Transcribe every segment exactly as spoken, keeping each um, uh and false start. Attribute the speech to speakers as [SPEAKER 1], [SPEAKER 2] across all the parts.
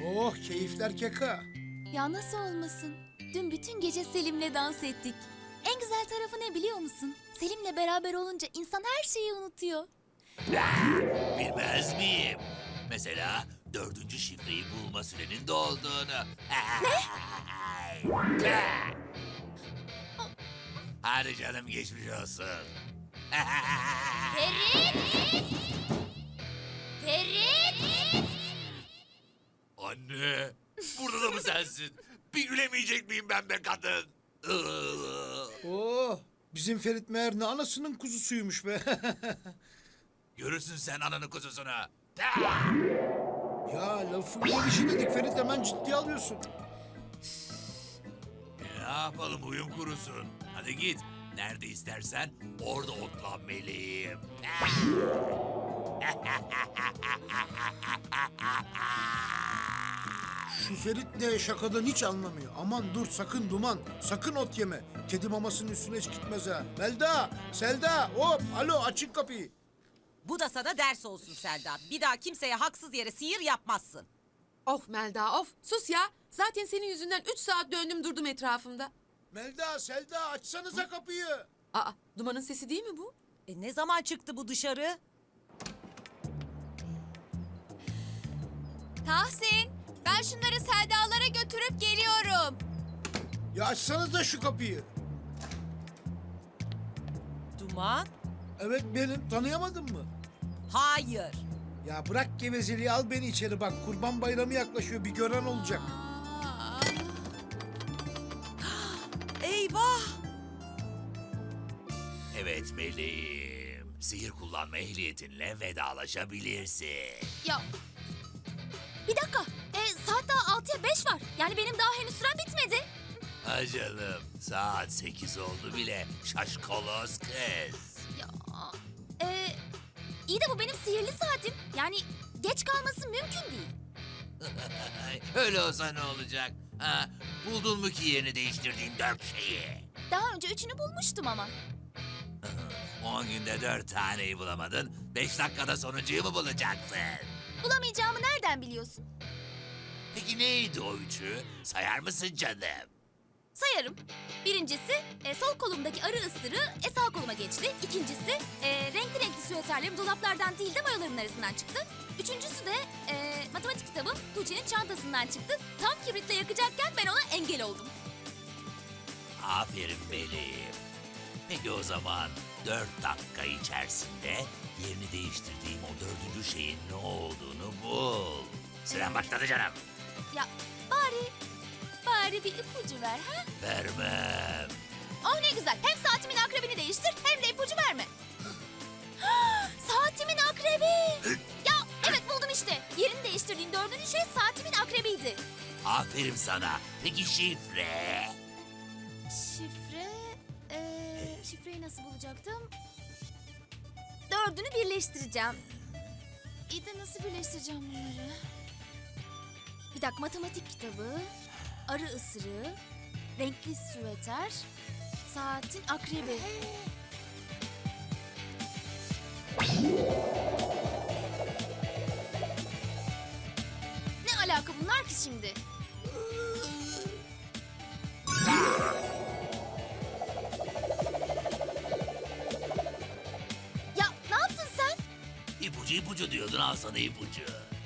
[SPEAKER 1] Oh, keyifler keka.
[SPEAKER 2] Ya nasıl olmasın? Dün bütün gece Selim'le dans ettik. En güzel tarafı ne biliyor musun? Selim'le beraber olunca insan her şeyi unutuyor.
[SPEAKER 3] Bilmez miyim? Mesela dördüncü şifreyi bulma sürenin dolduğunu. Ne? Hadi canım geçmiş olsun.
[SPEAKER 2] Ferit! Ferit!
[SPEAKER 3] Anne, burada da mı sensin? Bir gülemeyecek miyim ben be kadın?
[SPEAKER 1] Oh, bizim Ferit meğer ne anasının kuzusuymuş be.
[SPEAKER 3] Görürsün sen ananın kuzusunu.
[SPEAKER 1] Ya lafın gelişi dedik Ferit, hemen ciddiye alıyorsun.
[SPEAKER 3] Ne yapalım, uyum kurusun. Hadi git. Nerede istersen orada otlan meleğim.
[SPEAKER 1] Şu Ferit de şakadan hiç anlamıyor. Aman dur, sakın Duman, sakın ot yeme. Kedi mamasının üstüne hiç gitmez ha. Melda, Selda, hop, alo, açın kapıyı.
[SPEAKER 4] Bu da sana ders olsun Selda. Bir daha kimseye haksız yere sihir yapmazsın.
[SPEAKER 5] Of Melda of. Sus ya. Zaten senin yüzünden üç saat döndüm durdum etrafımda.
[SPEAKER 1] Melda, Selda, açsanıza kapıyı.
[SPEAKER 5] Aa, Duman'ın sesi değil mi bu?
[SPEAKER 4] E ne zaman çıktı bu dışarı?
[SPEAKER 2] Tahsin, ben şunları Selda'lara götürüp geliyorum.
[SPEAKER 1] Ya açsanıza şu kapıyı.
[SPEAKER 4] Duman?
[SPEAKER 1] Evet benim, tanıyamadın mı?
[SPEAKER 4] Hayır.
[SPEAKER 1] Ya bırak gevezeliği, al beni içeri bak. Kurban bayramı yaklaşıyor, bir gören olacak.
[SPEAKER 4] Eyvah!
[SPEAKER 3] Evet meleğim. Sihir kullanma ehliyetinle vedalaşabilirsin.
[SPEAKER 2] Ya, bir dakika. E, saat daha altıya beş var. Yani benim daha henüz sürem bitmedi.
[SPEAKER 3] Ha canım, saat sekiz oldu bile. Şaşkolos kız.
[SPEAKER 2] Ya, e, iyi de bu benim sihirli saatim. Yani geç kalması mümkün değil.
[SPEAKER 3] Öyle olsa ne olacak? Ha, buldun mu ki yerini değiştirdiğim dört şeyi?
[SPEAKER 2] Daha önce üçünü bulmuştum ama.
[SPEAKER 3] On günde dört taneyi bulamadın, beş dakikada sonuncuyu mu bulacaksın?
[SPEAKER 2] Bulamayacağımı nereden biliyorsun?
[SPEAKER 3] Peki neydi o üçü? Sayar mısın canım?
[SPEAKER 2] Sayarım. Birincisi e, sol kolumdaki arı ısırığı e, sağ koluma geçti. İkincisi e, renkli renkli süveterlerim dolaplardan değil de mayoların arasından çıktı. Üçüncüsü de e, matematik kitabım Tuğçe'nin çantasından çıktı. Tam kibritle yakacakken ben ona engel oldum.
[SPEAKER 3] Aferin meleğim. Peki o zaman dört dakika içerisinde yerini değiştirdiğim o dördüncü şeyin ne olduğunu bul. Süren başladı canım.
[SPEAKER 2] Ya bari, bari bir ipucu ver ha?
[SPEAKER 3] Vermem.
[SPEAKER 2] Oh ne güzel. Hem saatimin akrebini değiştir hem de ipucu verme. Saatimin akrebi. Ya evet buldum işte. Yerini değiştirdiğin dördüncü şey saatimin akrebiydi.
[SPEAKER 3] Aferin sana. Peki şifre?
[SPEAKER 2] Şifre... Ee, şifreyi nasıl bulacaktım? Dördünü birleştireceğim. İyi de nasıl birleştireceğim bunları? Bir dakika, matematik kitabı, arı ısırığı, renkli süveter, saatin akrebi. Ne alaka bunlar ki şimdi? Ya ne yaptın sen?
[SPEAKER 3] İpucu ipucu diyordun, al sana ipucu.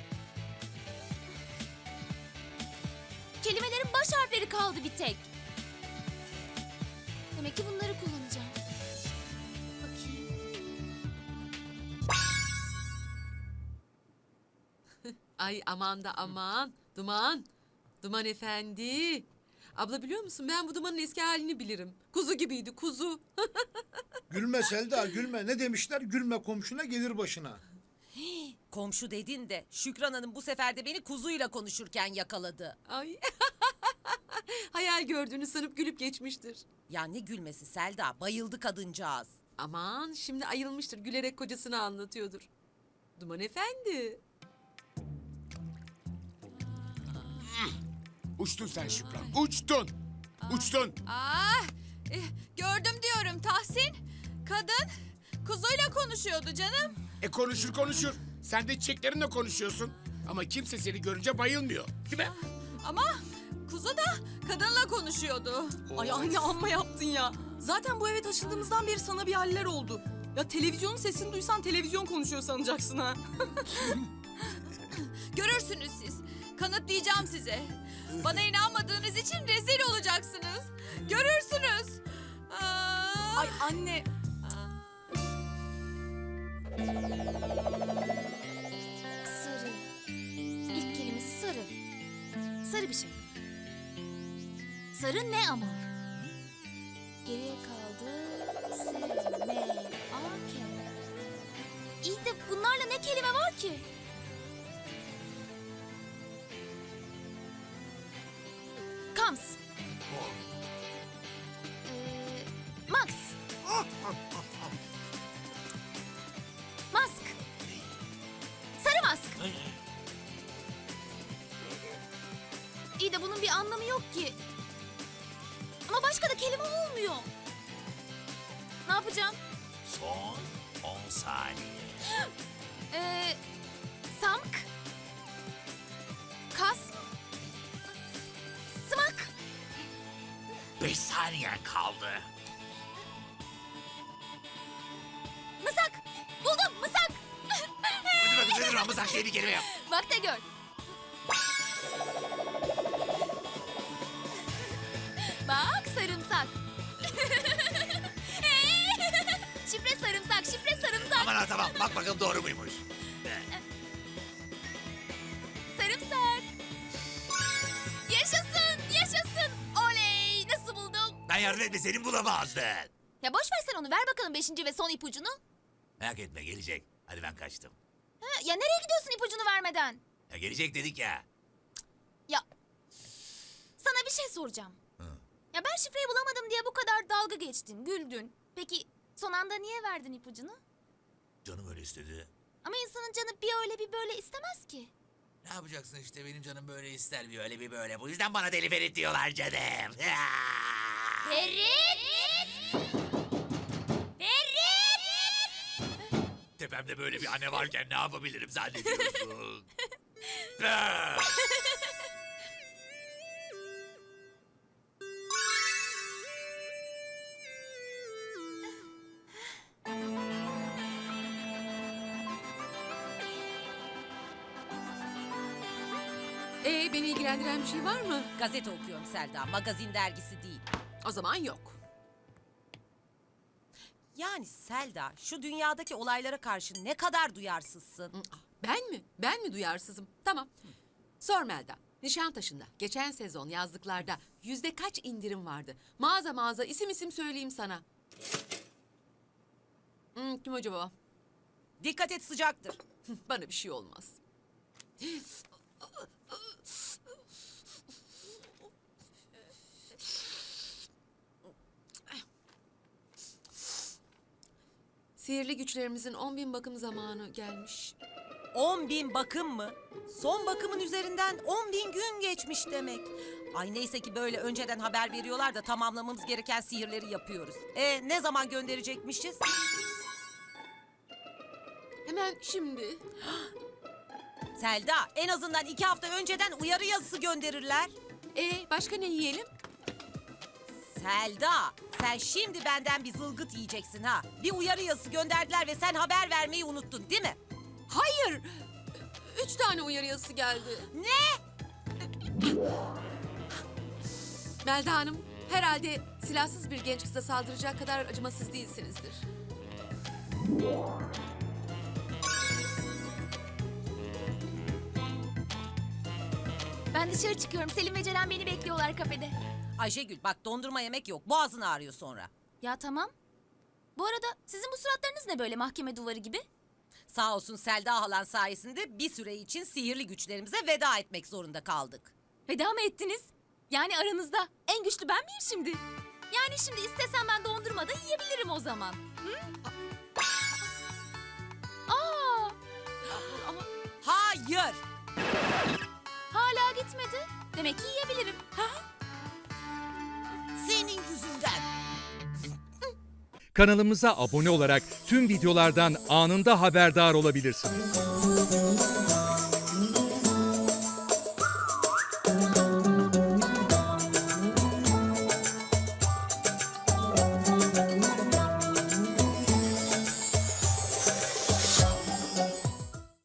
[SPEAKER 2] Kelimelerin baş harfleri kaldı bir tek. Demek ki bunları kullanacağım. Bakayım.
[SPEAKER 5] Ay aman da aman. Duman. Duman efendi. Abla biliyor musun ben bu Duman'ın eski halini bilirim. Kuzu gibiydi kuzu.
[SPEAKER 1] Gülme Selda, gülme. Ne demişler? Gülme komşuna, gelir başına.
[SPEAKER 4] Komşu dedin de Şükran Hanım bu sefer de beni kuzuyla konuşurken yakaladı.
[SPEAKER 5] Ay. Hayal gördüğünü sanıp gülüp geçmiştir.
[SPEAKER 4] Ya ne gülmesi Selda, bayıldı kadıncağız.
[SPEAKER 5] Aman şimdi ayılmıştır gülerek kocasını anlatıyordur. Duman efendi.
[SPEAKER 6] Uçtun sen Şükran, uçtun. Uçtun.
[SPEAKER 7] Ah, eh, gördüm diyorum Tahsin. Kadın kuzuyla konuşuyordu canım.
[SPEAKER 6] E konuşur konuşur. Sen de çiçeklerinle konuşuyorsun. Ama kimse seni görünce bayılmıyor. Değil mi?
[SPEAKER 7] Ama kuzu da kadınla konuşuyordu.
[SPEAKER 8] Ay anne amma yaptın ya. Zaten bu eve taşındığımızdan beri sana bir haller oldu. Ya televizyonun sesini duysan televizyon konuşuyor sanacaksın ha.
[SPEAKER 7] Görürsünüz siz. Kanıtlayacağım size. Bana inanmadığınız için rezil olacaksınız. Görürsünüz. Aa,
[SPEAKER 8] Ay anne.
[SPEAKER 2] Sarı. İlk kelimesi sarı. Sarı bir şey. Sarı ne ama? Geriye kaldı. S, M, A, K. İyi de bunlarla ne kelime var ki? Kams. Ee, Max. Mask. Sarı mask. İyi de bunun bir anlamı yok ki. Ama başka da kelime olmuyor. Ne yapacağım?
[SPEAKER 3] Son on saniye.
[SPEAKER 2] Ee, samk. Kas. Sımak.
[SPEAKER 3] Beş saniyen kaldı.
[SPEAKER 2] Mısak. Buldum mısak.
[SPEAKER 3] Hadi bakın nedir Ramazan diye bir kelime yap.
[SPEAKER 2] Bak da gör. Bak sarımsak. Şifre sarımsak, şifre sarımsak.
[SPEAKER 3] Aman ha tamam bak bakalım doğru muymuş.
[SPEAKER 2] Sarımsak. Yaşasın, yaşasın. Oley, nasıl buldum?
[SPEAKER 3] Ben yardım etme senin bulamazdın.
[SPEAKER 2] Ya boş ver sen onu, ver bakalım beşinci ve son ipucunu.
[SPEAKER 3] Merak etme gelecek. Hadi ben kaçtım.
[SPEAKER 2] Ha, ya nereye gidiyorsun ipucunu vermeden?
[SPEAKER 3] Ya gelecek dedik ya.
[SPEAKER 2] Ya sana bir şey soracağım.
[SPEAKER 3] Hı.
[SPEAKER 2] Ya ben şifreyi bulamadım diye bu kadar dalga geçtin, güldün. Peki son anda niye verdin ipucunu?
[SPEAKER 3] Canım öyle istedi.
[SPEAKER 2] Ama insanın canı bir öyle bir böyle istemez ki.
[SPEAKER 3] Ne yapacaksın işte benim canım böyle ister bir öyle bir böyle. Bu yüzden bana deli Ferit diyorlar canım.
[SPEAKER 2] Ferit! Ferit!
[SPEAKER 3] Tepemde böyle bir anne varken ne yapabilirim zannediyorsun? Ah!
[SPEAKER 5] Ee, beni ilgilendiren bir şey var mı?
[SPEAKER 4] Gazete okuyorum Selda, magazin dergisi değil.
[SPEAKER 5] O zaman yok.
[SPEAKER 4] Yani Selda, şu dünyadaki olaylara karşı ne kadar duyarsızsın.
[SPEAKER 5] Ah, Ben mi? Ben mi duyarsızım? Tamam. Sor Melda. Nişantaşı'nda geçen sezon yazlıklarda yüzde kaç indirim vardı? Mağaza mağaza isim isim söyleyeyim sana. Hmm, kim acaba?
[SPEAKER 4] Dikkat et, sıcaktır.
[SPEAKER 5] Bana bir şey olmaz. Sihirli güçlerimizin on bin bakım zamanı gelmiş.
[SPEAKER 4] On bin bakım mı? Son bakımın üzerinden on bin gün geçmiş demek. Ay neyse ki böyle önceden haber veriyorlar da tamamlamamız gereken sihirleri yapıyoruz. E ne zaman gönderecekmişiz?
[SPEAKER 5] Hemen şimdi.
[SPEAKER 4] Selda, en azından iki hafta önceden uyarı yazısı gönderirler.
[SPEAKER 5] Ee, başka ne yiyelim?
[SPEAKER 4] Selda, sen şimdi benden bir zılgıt yiyeceksin ha. Bir uyarı yazısı gönderdiler ve sen haber vermeyi unuttun değil mi?
[SPEAKER 5] Hayır. Üç tane uyarı yazısı geldi.
[SPEAKER 4] Ne?
[SPEAKER 5] Melda Hanım, herhalde silahsız bir genç kıza saldıracak kadar acımasız değilsinizdir.
[SPEAKER 2] Ben dışarı çıkıyorum. Selim ve Ceren beni bekliyorlar kafede.
[SPEAKER 4] Ayşegül bak, dondurma yemek yok. Boğazın ağrıyor sonra.
[SPEAKER 2] Ya tamam. Bu arada sizin bu suratlarınız ne böyle mahkeme duvarı gibi?
[SPEAKER 4] Sağ olsun Selda halan sayesinde bir süre için sihirli güçlerimize veda etmek zorunda kaldık.
[SPEAKER 2] Veda mı ettiniz? Yani aranızda en güçlü ben miyim şimdi? Yani şimdi istesem ben dondurma da yiyebilirim o zaman. Hı? Aa,
[SPEAKER 4] Hayır.
[SPEAKER 2] hala gitmedi. Demek ki yiyebilirim.
[SPEAKER 4] Senin yüzünden.
[SPEAKER 9] Kanalımıza abone olarak tüm videolardan anında haberdar olabilirsiniz.